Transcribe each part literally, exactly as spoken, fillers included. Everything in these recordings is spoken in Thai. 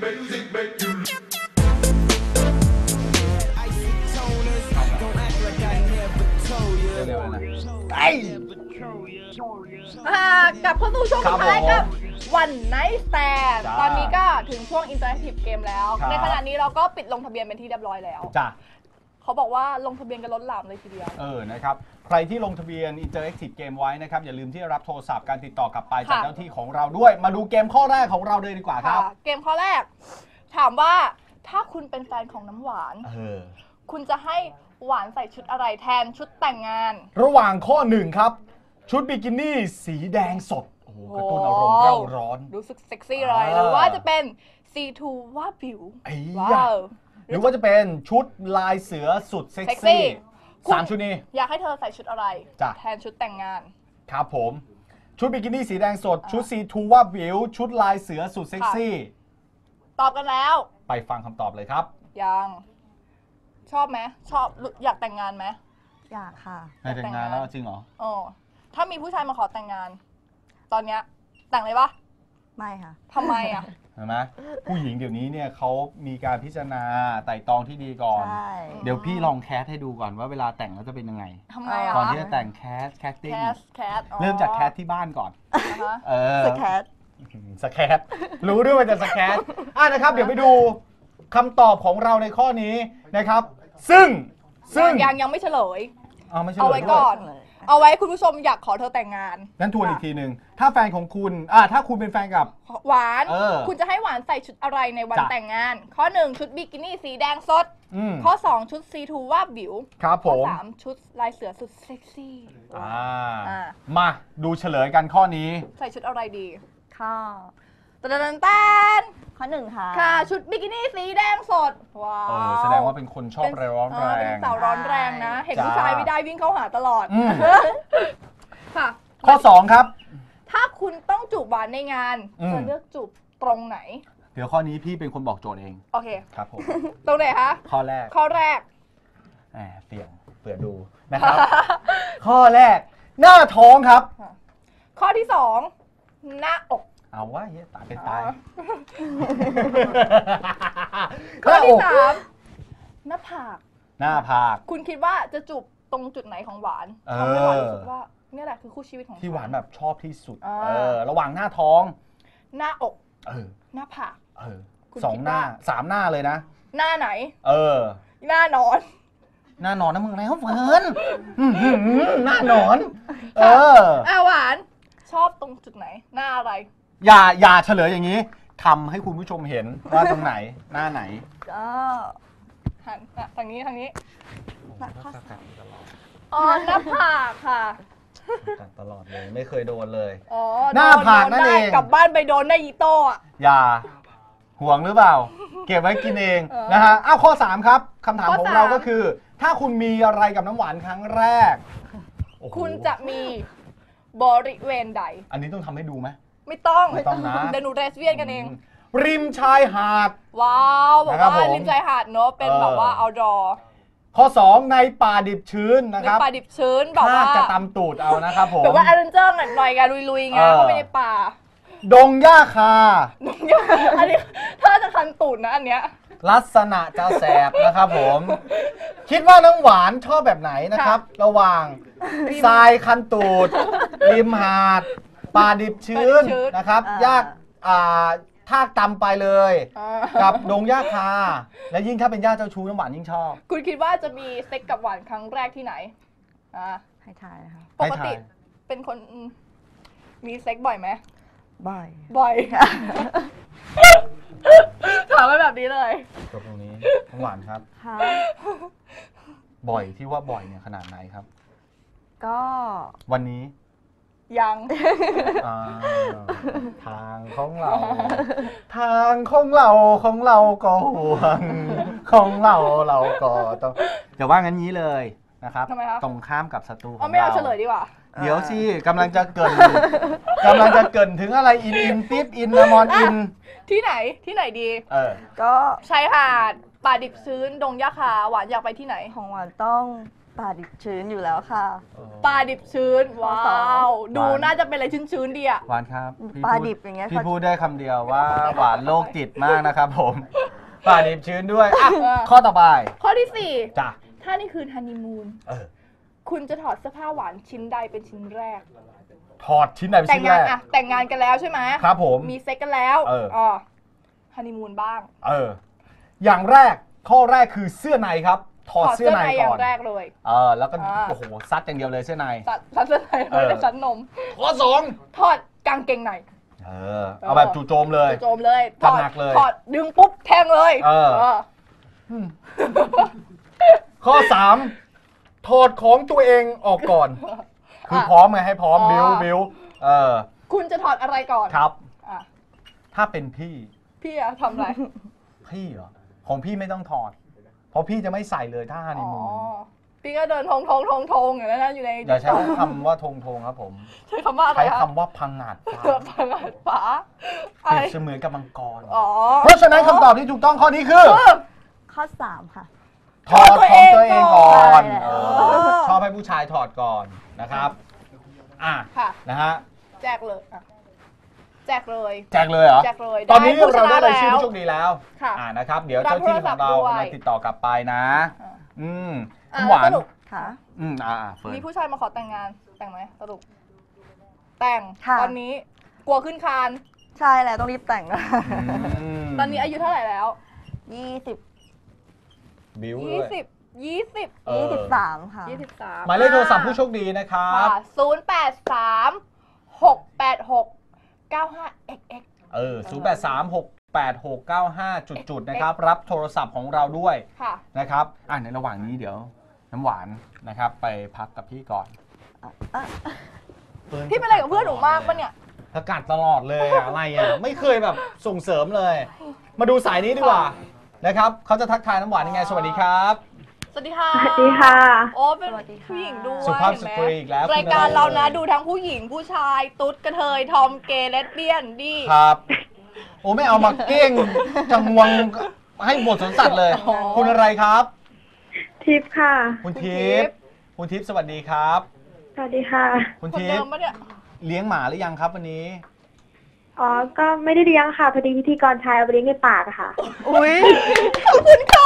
เร็วๆนะไอ้กลับเข้าสู่ช่วงสุดท้ายกับวันไนท์แตนตอนนี้ก็ถึงช่วงอินเตอร์แอคทีฟเกมแล้วในขณะนี้เราก็ปิดลงทะเบียนเป็นที่เรียบร้อยแล้วจ้ะเขาบอกว่าลงทะเบียนกันล้นหลามเลยทีเดียวเออนะครับใครที่ลงทะเบียน Interactive Game ไว้นะครับอย่าลืมที่รับโทรศัพท์การติดต่อกลับไปจากเจ้าที่ของเราด้วยมาดูเกมข้อแรกของเราเลยดีกว่าครับเกมข้อแรกถามว่าถ้าคุณเป็นแฟนของน้ำหวานเออคุณจะให้หวานใส่ชุดอะไรแทนชุดแต่งงานระหว่างข้อหนึ่งครับชุดบิกินี่สีแดงสดโอ้โหกระตุ้นอารมณ์เร่าร้อนรู้สึกเซ็กซี่เลยหรือว่าจะเป็น ซี ทู ว่าผิวว้าวหรือว่าจะเป็นชุดลายเสือสุดเซ็กซี่สามชุดนี้อยากให้เธอใส่ชุดอะไรแทนชุดแต่งงานครับผมชุดบิกินี่สีแดงสดชุด ซี ทู ว่าผิวชุดลายเสือสุดเซ็กซี่ตอบกันแล้วไปฟังคำตอบเลยครับยังชอบไหมชอบอยากแต่งงานไหมอยากค่ะให้แต่งงานแล้วจริงเหรออ๋อถ้ามีผู้ชายมาขอแต่งงานตอนเนี้ยแต่งเลยปะไม่ค่ะทำไมอ่ะเห็นไหมผู้หญิงเดี๋ยวนี้เนี่ยเขามีการพิจารณาไต่ตองที่ดีก่อนเดี๋ยวพี่ลองแคสให้ดูก่อนว่าเวลาแต่งแล้วจะเป็นยังไงทำไมอ่ะก่อนที่จะแต่งแคสแคสติ้งเริ่มจากแคสที่บ้านก่อนเออสแคสสแคสรู้ด้วยว่าจะสแคสอ่ะนะครับเดี๋ยวไปดูคำตอบของเราในข้อนี้นะครับซึ่งซึ่งยังยังไม่เฉลยเอาไม่เฉลยเอาไว้ก่อนเอาไว้คุณผู้ชมอยากขอเธอแต่งงานนั้นทวนอีกทีหนึ่งถ้าแฟนของคุณอ่าถ้าคุณเป็นแฟนกับหวานคุณจะให้หวานใส่ชุดอะไรในวันแต่งงานข้อหนึ่งชุดบิกินี่สีแดงสดข้อสองชุด ซี ทู ว่าบิวครับผมข้อสามชุดลายเสือสุดเซ็กซี่มาดูเฉลยกันข้อนี้ใส่ชุดอะไรดีข้อตะดันแตนข้อหนึ่งค่ะค่ะชุดบิกินี่สีแดงสดว้าวแสดงว่าเป็นคนชอบร้อนแรงเป็นสาวร้อนแรงนะเห็นผู้ชายไม่ได้วิ่งเข้าหาตลอดค่ะข้อสองครับถ้าคุณต้องจูบหวานในงานจะเลือกจูบตรงไหนเดี๋ยวข้อนี้พี่เป็นคนบอกโจทย์เองโอเคครับผมตรงไหนคะข้อแรกข้อแรกแหมเปลี่ยนเปิดดูนะครับข้อแรกหน้าท้องครับข้อที่สองหน้าอกเอาว่าเฮ้ยตายเป็นตายข้อที่สามหน้าผากหน้าผากคุณคิดว่าจะจูบตรงจุดไหนของหวานทำให้หวานรู้สึกว่านี่แหละคือคู่ชีวิตของที่หวานแบบชอบที่สุดเออระหว่างหน้าท้องหน้าอกเออหน้าผากเออสองหน้าสามหน้าเลยนะหน้าไหนเออหน้านอนหน้านอนนะมึงแล้วเฟิร์นหน้านอนเอออ่ะหวานชอบตรงจุดไหนหน้าอะไรอย่าอย่าเฉลยอย่างนี้ทำให้คุณผู้ชมเห็นว่าตรงไหนหน้าไหนก็หันทางนี้ทางนี้หน้าผากอ๋อหน้าผากค่ะตลอดเลยไม่เคยโดนเลยอ๋อหน้าผากนั่นเองกลับบ้านไปโดนได้อีโต้อะอย่าห่วงหรือเปล่าเก็บไว้กินเองนะฮะอ้าวข้อสามครับคำถามของเราก็คือถ้าคุณมีอะไรกับน้ำหวานครั้งแรกคุณจะมีบริเวณใดอันนี้ต้องทำให้ดูไหมไม่ต้องไม่ต้องนะเดี๋ยวหนูเรสเวียนกันเองริมชายหาดว้าวบอกว่าริมชายหาดเนอะเป็นแบบว่าเอาดอข้อสองในป่าดิบชื้นนะครับในป่าดิบชื้นแบบว่าจะตำตูดเอานะครับผมแบบว่าแอดเวนเจอร์หน่อยกันลุยๆไงเข้าไปในป่าดงหญ้าคาดงหญ้าอันนี้ถ้าจะคันตูดนะอันเนี้ยลักษณะจะแสบนะครับผมคิดว่าน้ำหวานชอบแบบไหนนะครับระหว่างทรายคันตูดริมหาดป่าดิบชื้นนะครับยากอ่าทากตำไปเลยกับดงหญ้าคาและยิ่งถ้าเป็นหญ้าเจ้าชู้น้ำหวานยิ่งชอบคุณคิดว่าจะมีเซ็กกับหวานครั้งแรกที่ไหนอ่าให้ทายนะคะปกติเป็นคนมีเซ็กบ่อยไหมบ่อยบ่อยถามไปแบบนี้เลยจบตรงนี้น้ำหวานครับบ่อยที่ว่าบ่อยเนี่ยขนาดไหนครับก็วันนี้ยังทางของเราทางของเราของเราก็ห่วงของเราเราก็ต้องจะว่างั้นนี้เลยนะครับตรงข้ามกับศัตรูของเราไม่เอาเฉลยดีกว่าเดี๋ยวสิกำลังจะเกินกำลังจะเกินถึงอะไรอินอินปิ๊บอินนามอนอินที่ไหนที่ไหนดีเออก็ชายหาดป่าดิบชื้นดงหญ้าคาหวานอยากไปที่ไหนของหวานต้องปลาดิบชื้นอยู่แล้วค่ะปลาดิบชื้น ว้าว ดูน่าจะเป็นอะไรชื้นๆดีอะหวานครับพี่ปลาพูดิบอย่างเงี้ยพี่เขาพูดได้คำเดียวว่าหวานโรคจิตมากนะครับผมปลาดิบชื้นด้วยอ่ะเออข้อต่อไปข้อที่สี่จ้ะถ้านี่คือฮันนีมูนเออคุณจะถอดเสื้อผ้าหวานชิ้นใดเป็นชิ้นแรกถอดชิ้นไหนเป็นแต่ชิ้งนแรงานกอะแต่งงานกันแล้วใช่ไหมครับผมมีเซ็กกันแล้วเอออ๋อฮันนีมูนบ้างเออ อย่างแรกข้อแรกคือเสื้อในครับ ถอดถอดเสื้เสื้ออในในอก่ย่าอนงแรกเลยเออแล้วก็อ่าโอ้โหซัดอย่างเดียวเลยเสื้อในตัดตัดเสื้อในเออไม่ได้ชั้นนมข้อสองถอดกางเกงในเออเอาแบบจู่โจมเลยโจมเลยถจัดอดหนักเลยถอดดึงปุ๊บแทงเลยเออ อืมข้อสามถอดของตัวเองออกก่อน คือพร้อมไงให้พร้อมอ๋อบิวบิวเออคุณจะถอดอะไรก่อนครับอ่ะถ้าเป็นพี่พี่อะทำอะไรพี่เหรอของพี่ไม่ต้องถอด เพราะพี่จะไม่ใส่เลยถ้าฮันนีอ๋อมูนพี่ก็เดินทงทงทงทงอย่างนั้นนะอยู่ในอย่าใช้คำว่าทงทงครับผมใช้คำว่าอะไรใช้คะคำว่าพังงาดฟ้าเกือบพังอาดฟ้าเปรียบเสมือนกับมังกรอ๋อเพราะฉะนั้นคำตอบที่ถูกต้องข้อนี้คือข้อสามค่ะถอดของตัวเองก่อนใช่แล้วเออชอบให้ผู้ชายถอดก่อนนะครับ อ่ะค่ะนะฮะแจกเลยอ่ะแจกเลยแจกเลยเหรอแจกเลยตอนนี้ได้ผู้ชเรานะได้รายชื่อแล้วผู้โชคดีแล้วค่ะอ่านะครับ เดี๋ยวรับเจ้าที่ของเราโทรศัพท์ด้วยกำลังติดต่อกลับไปนะอ่ะอืมอ่ะคุณหวานสรุปค่ะอืมอ่าเฟิร์นมีผู้ชายมาขอแต่งงานแต่งไหมสรุปแต่งค่ะตอนนี้กลัวขึ้นคานใช่แล้วต้องรีบแต่งนะมตอนนี้อายุเท่าไหร่แล้วยี่สิบบิวเลยี่ยสิบยี่สิบเออยี่สิบสามค่ะยี่สิบสามหมายเลขโทรศัพท์ผู้โชคดีนะครับศูนย์แปดสามหกแปดหกเก้าห้า เอ็กซ์ เอ็กซ์เออศูนย์แปดสามหกแปดหกเก้าห้าจุดๆนะครับ รับโทรศัพท์ของเราด้วยค่ะนะครับ อ่ะในระหว่างนี้เดี๋ยว น้ำหวานนะครับ ไปพักกับพี่ก่อนพี่เป็นอะไรกับเพื่อนหนูมากปะเนี่ยประกาศตลอดเลยอะอะไรอ่ะ ไม่เคยแบบส่งเสริมเลย มาดูสายนี้ดีกว่านะครับเขาจะทักทายน้ำหวานยังไง สวัสดีครับสวัสดีค่ะสวัสดีค่ะโอ้เป็นสวัสดีค่ะผู้หญิงด้วยสุภาพเห็นสไหมตรีอีกแล้วรายการคุณเรานะอไดูทั้งผู้หญิงผู้ชาย ตุ๊ดกระเทย ทอมเกย์เลสเบี้ยนดีครับ โอ้ไม่เอามาเก้งจังวงให้บทสวนสัตว์เลยอ๋อคุณอะไรครับทิพย์ค่ะคุณทิพย์คุณทิพย์สวัสดีครับสวัสดีค่ะคุณคนทิเดิพมย์ปะเนี่ยเลี้ยงหมาหรือยังครับวันนี้อ๋อ ก็ไม่ได้เลี้ยงค่ะ พอดีพิธีกรชายเอาไปเลี้ยงในปากอะค่ะอุ้ยขอบคุณค่ะ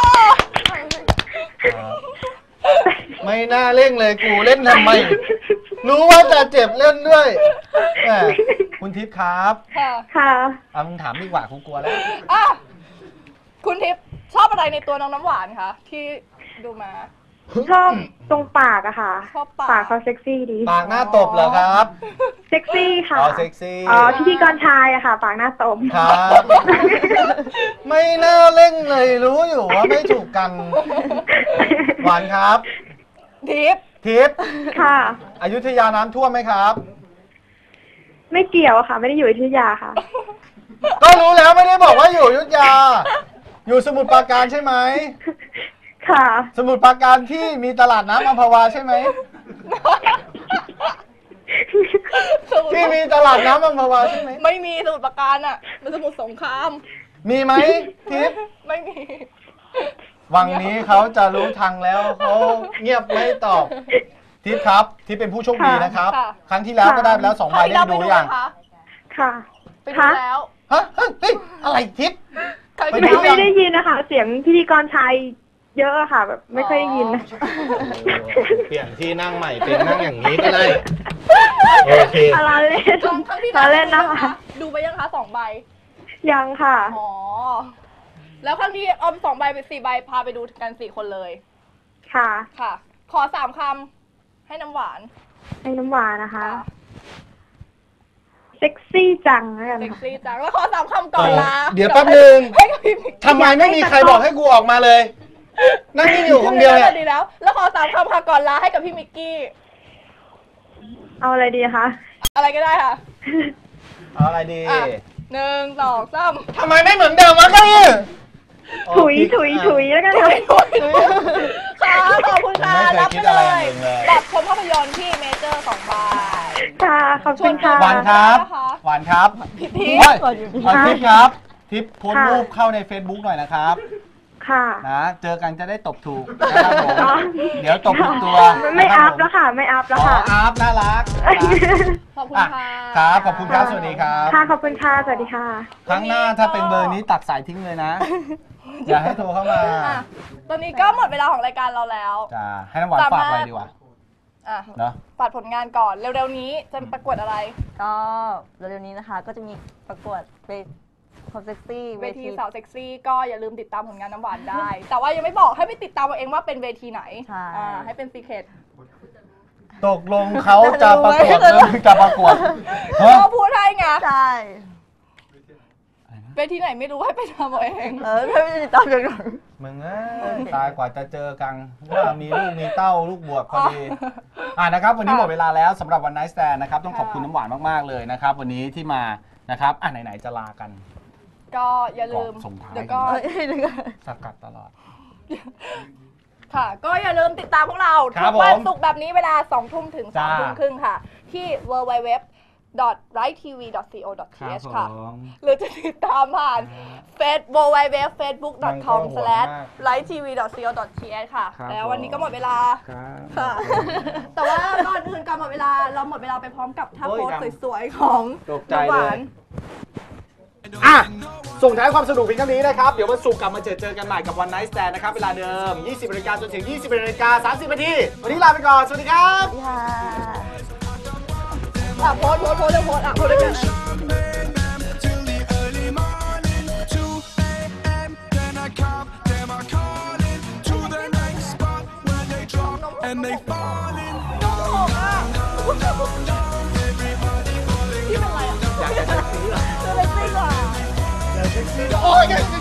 ไม่น่าเล่นเลยกูเล่นทำไม รู้ว่าจะเจ็บเล่นด้วยแหมคุณทิพย์ครับค่ะค่ะเอามึงถามดีกว่ากูกลัวแล้วอ่ะคุณทิพย์ชอบอะไรในตัวน้องน้ำหวานคะที่ดูมาชอบตรงปากอะค่ะชอบปากปากเขาเซ็กซี่ดีปากหน้าตบเหรอครับเซ็กซี่ค่ะอ๋อเซ็กซี่อ๋อ พิธีกรชายอะค่ะ ปากหน้าตบครับ ไม่น่าเล่นเลยรู้อยู่ว่าไม่ถูกกัน หวานครับทิพย์ทิพย์ค่ะอยุธยาน้ำท่วมไหมครับไม่เกี่ยวอะค่ะ ไม่ได้อยู่อยุธยาค่ะก็รู้แล้วไม่ได้บอกว่าอยู่อยุธยา อยู่สมุทรปราการใช่ไหมค่ะสมุทรปราการที่มีตลาดน้ำอัมพวาใช่ไหม ที่มีตลาดน้ำอัมพวาใช่ไหมไม่มีสมุทรปราการอ่ะมันสมุทรสงครามมีไหมทิพย์ไม่มีวังนี้เขาจะรู้ทางแล้วเขาเงียบไม่ตอบ ทิพย์ครับทิพย์เป็นผู้โชคดีนะครับค่ะครั้งที่แล้วก็ได้ไปแล้วสองใบครั้งที่ได้แล้วดูไปหดูรือยังไหมคะค่ะไปดูแล้วฮะเฮ้ยเฮ้ยอะไรทิพย์ครั้งไปที่ดูแล้วไม่ได้ยินนะคะ เสียงพิธีกรชายเยอะอะค่ะ แบบไม่ค่อยได้ยินนะเปลี่ยนที่นั่งใหม่เป็นนั่งอย่างนี้ก็ได้โอเคอะไรเล่นครั้งครั้งที่อะแล้วเล่นนะคะดูไปยังคะสองใบยังค่ะอ๋อ แล้วครั้งที่ออมสองใบเป็นสี่ใบพาไปดูกันสี่คนเลยค่ะค่ะ ขอสามคำให้น้ำหวานไอ้น้ำหวานนะคะ เซ็กซี่จังแล้วกันเซ็กค่ะซี่จังแล้วขอสามคำก่อนลาเดี๋ยวแป๊บนึงให้กับพี่มิกทำไมไม่มีใครบอกให้กูออกมาเลย นั่งนี่อยู่คนเดียวเนี่ยดีแล้ว แล้วขอสามคำค่ะก่อนลาให้กับพี่มิกกี้เอาอะไรดีคะอะไรก็ได้ค่ะเอาอะไรดีอ่ะหนึ่งสองสามทำไมไม่เหมือนเดิมวะเก้าอี้ถุยถุยถุยแล้วกันค่ะค่ะขอบคุณค่ะไม่เคยรับคิไปดอะไรเลอย ย่างอื่นเลยบัตรชมภาพยนตร์ที่เมเจอร์สองใบค่ะ ขอบคุณค่ะหวานครับนะคะหวานครับพี่ทิพเฮ้ยย์เอาทิปครับ ทิปโพสต์รูปเข้าใน Facebook หน่อยนะครับคค่ะนะเจอกันจะได้ตบถูกนะครับผมอ๋อเดี๋ยวตบถูกตัวไม่นะคอัรัพผมแล้วค่ะ ไม่อัพแล้วอ๋อค่ะอัพน่ารักขอบคุณอ่ะค่ะครับขอบคุณครับสวัสดีครับค่ะขอบคุณค่ะสวัสดีค่ะครั้งหน้าถ้าเป็นเบอร์นี้ตัดสายทิ้งเลยนะ อย่าให้โทรเข้ามาอ่ะตอนนี้ก็หมดเวลาของรายการเราแล้วจ้าให้น้ำหวานฝากอะไรดีวะอ่ะเนาะฝากผลงานก่อน เร็วๆนี้จะประกวดอะไรก็เร็วๆนี้นะคะ ก็จะมีประกวดเวทีความเซ็กซี่เวทีสาวเซ็กซี่ก็อย่าลืมติดตามผลงานน้ำหวานได้ แต่ว่ายังไม่บอกให้ไปติดตามเอาเองว่าเป็นเวทีไหนใช่อ่าให้เป็นซีเคทตกลงเขาจะประกวดหรือจะประกวดฮะก็พูดให้ไงใช่เวทีไหนไม่รู้ให้ไปทำเอาเองเออไม่ได้ติดตามอย่างหนูมึงเอ้ยตายกว่าจะเจอกันว่ามีลูกมีเต้าลูกบวชพอดีอ่านะครับวันนี้หมดเวลาแล้วสำหรับวันไนท์สแตนนะครับต้องขอบคุณน้ำหวานมากๆเลยนะครับวันนี้ที่มานะครับอ่ะไหนๆจะลากันก็อย่าลืมก่อนส่งท้ายเดี๋ยวก็เอ้ยเดี๋ยวก่อนสกัดตลอดค่ะ ก็อย่าลืมติดตามพวกเราครัทุบกวันผมศุกร์แบบนี้เวลาสองทุ่มถึงสามจ้าทุ่มครึ่งค่ะ ที่ ดับเบิลยู ดับเบิลยู ดับเบิลยู ดับเบิลยู ดอท ไรท์ ที วี ดอท ซี โอ ดอท ที เอช ค่ะ หรือจะติดตามผ่านเฟซ ดับเบิลยู ดับเบิลยู ดับเบิลยู เฟซบุ๊ก ดอท คอม สแลช ไรท์ ที วี ดอท ซี โอ ดอท ที เอช ค่ะครับแล้ววันนี้ก็หมดเวลาครับค่ะ แต่ว่าก่อนอื่นก่อนหมดเวลา เราหมดเวลาไปพร้อมกับท่าโอ้ยโพสดังสวยๆ ของตกใจน้ำหวานเลย อ่ะ ส่งท้ายความสนุกเพียงเท่านี้นะครับ เดี๋ยววันศุกร์กลับมาเจอเจอกันใหม่กับวันไนท์สแตนนะครับ เวลาเดิม ยี่สิบนาฬิกาจนถึง ยี่สิบเอ็ดนาฬิกาสามสิบนาที วันนี้ลาไปก่อน สวัสดีครับค่ะอ่ะโพสโพสโพสเลยโพสอ่ะโพสด้วยกัน till the early morning. two a.m. Then I come, them I calling to the next spot where they drop and they falling. พี่เป็นไรอ่ะอยากจะเซ็กซี่เหรอเซ็กซี่กว่าอยากเซ็กซี่เหรอโอ้ย